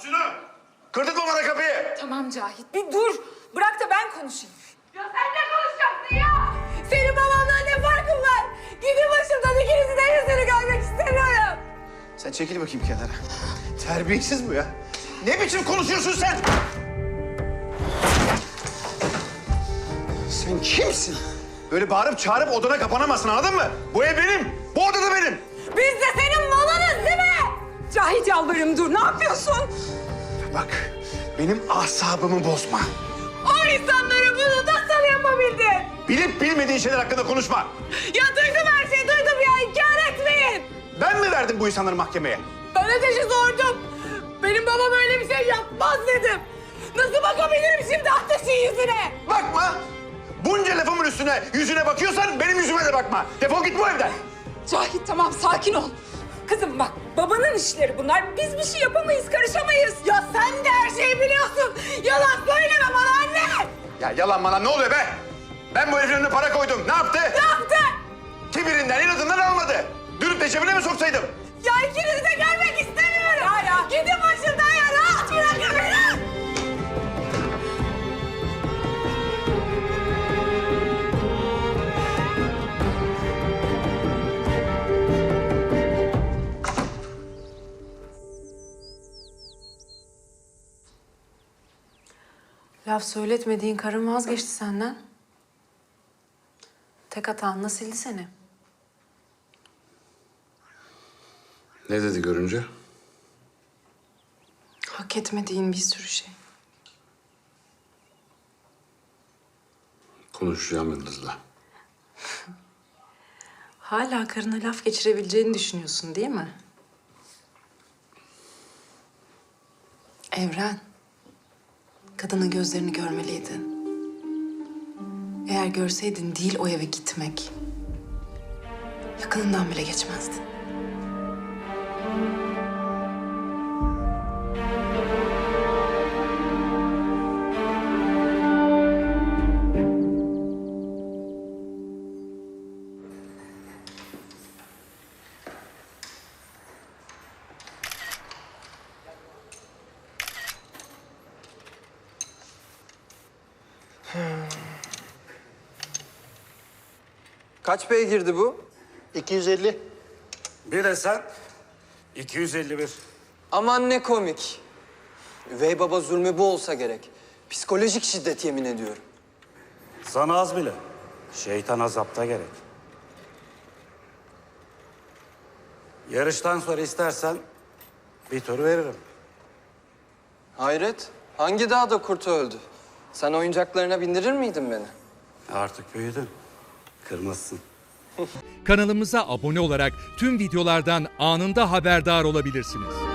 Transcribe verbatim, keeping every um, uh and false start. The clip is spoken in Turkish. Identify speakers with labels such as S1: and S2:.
S1: Aç şunu! Kırdırtma bana kapıyı!
S2: Tamam Cahit, bir dur. Bırak da ben konuşayım. Ya sen ne konuşacaksın ya? Senin babamla ne farkın var? Gidin başımdan, ikinizin de yüzünü görmek istemiyorum.
S1: Sen çekil bakayım kenara. Terbiyesiz bu ya. Ne biçim konuşuyorsun sen? Sen kimsin? Böyle bağırıp çağırıp odana kapanamazsın, anladın mı? Bu ev benim, bu oda da benim.
S2: Biz de senin malınız değil mi? Cahit yalvarırım dur, ne yapıyorsun?
S1: Bak, benim asabımı bozma.
S2: O insanlara bunu nasıl yapabildin?
S1: Bilip bilmediğin şeyler hakkında konuşma.
S2: Ya duydum her şeyi, duydum ya, inkar etmeyin.
S1: Ben mi verdim bu insanları mahkemeye?
S2: Ben ateşi sordum. Benim babam öyle bir şey yapmaz dedim. Nasıl bakabilirim şimdi ateşin yüzüne?
S1: Bakma! Bunca lafımın üstüne, yüzüne bakıyorsan benim yüzüme de bakma. Defol git bu evden.
S2: Cahit tamam, sakin ol. Kızım bak, babanın işleri bunlar. Biz bir şey yapamayız, karışamayız. Ya sen de her şeyi biliyorsun. Yalan söyleme bana anne.
S1: Ya yalan bana ne oluyor be? Ben bu herifin önüne para koydum. Ne yaptı?
S2: Ne yaptı?
S1: Kibirinden, inadından almadı. Dürüp de cebine mi soksaydım?
S2: Ya ikinizi de görmek istemiyorum. Ya ya. Gidin başımdan ya, rahat bırakın beni.
S3: Laf söyletmediğin karın vazgeçti senden. Tek hatanla sildi seni.
S4: Ne dedi görünce?
S3: Hak etmediğin bir sürü şey.
S4: Konuşacağım Yıldız'la.
S3: Hala karına laf geçirebileceğini düşünüyorsun değil mi? Evren, kadının gözlerini görmeliydin. Eğer görseydin değil o eve gitmek, yakınından bile geçmezdin.
S5: Kaç beygirdi bu?
S6: iki yüz elli.
S7: Bir de sen iki yüz elli bir.
S5: Aman ne komik. Üvey baba zulmü bu olsa gerek. Psikolojik şiddet yemin ediyorum.
S7: Sana az bile. Şeytan azapta gerek. Yarıştan sonra istersen bir tur veririm.
S5: Hayret, hangi dağda kurt öldü? Sen oyuncaklarına bindirir miydin beni?
S7: Artık büyüdün. Kırmızısın.
S8: Kanalımıza abone olarak tüm videolardan anında haberdar olabilirsiniz.